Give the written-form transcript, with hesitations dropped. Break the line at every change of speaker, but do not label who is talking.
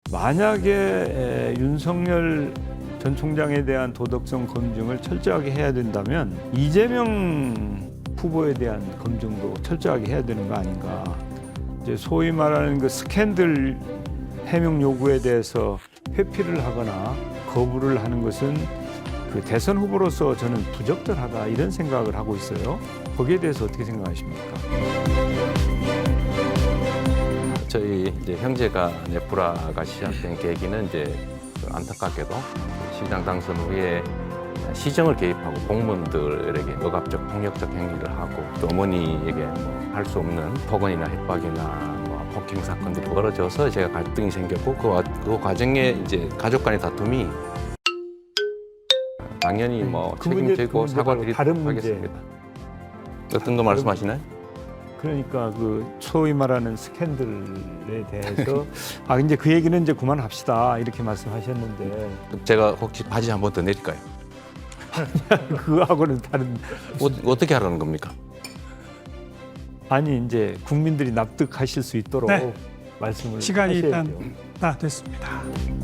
만약에 윤석열 전 총장에 대한 도덕성 검증을 철저하게 해야 된다면 이재명 후보에 대한 검증도 철저하게 해야 되는 거 아닌가. 이제 소위 말하는 그 스캔들 해명 요구에 대해서 회피를 하거나 거부를 하는 것은 그 대선 후보로서 저는 부적절하다 이런 생각을 하고 있어요. 거기에 대해서 어떻게 생각하십니까?
저희 이제 형제가 네프라가 시작된 계기는 이제 안타깝게도 시장 당선 후에 시정을 개입하고 공무원들에게 억압적 폭력적 행위를 하고 또 어머니에게 뭐 할 수 없는 폭언이나 협박이나 뭐 폭행 사건들이 벌어져서 제가 갈등이 생겼고 그 과정에 이제 가족 간의 다툼이 당연히 뭐 책임지고 사과드리도록
다른 문제.
하겠습니다. 어떤 거 말씀하시나요?
그러니까 그 소위 말하는 스캔들에 대해서 이제 그 얘기는 이제 그만합시다 이렇게 말씀하셨는데
제가 혹시 바지 한 번 더 내릴까요?
그거하고는 다른.
어떻게 하라는 겁니까?
아니 이제 국민들이 납득하실 수 있도록
네.
말씀을
시간이
하셔야죠.
일단 다 됐습니다.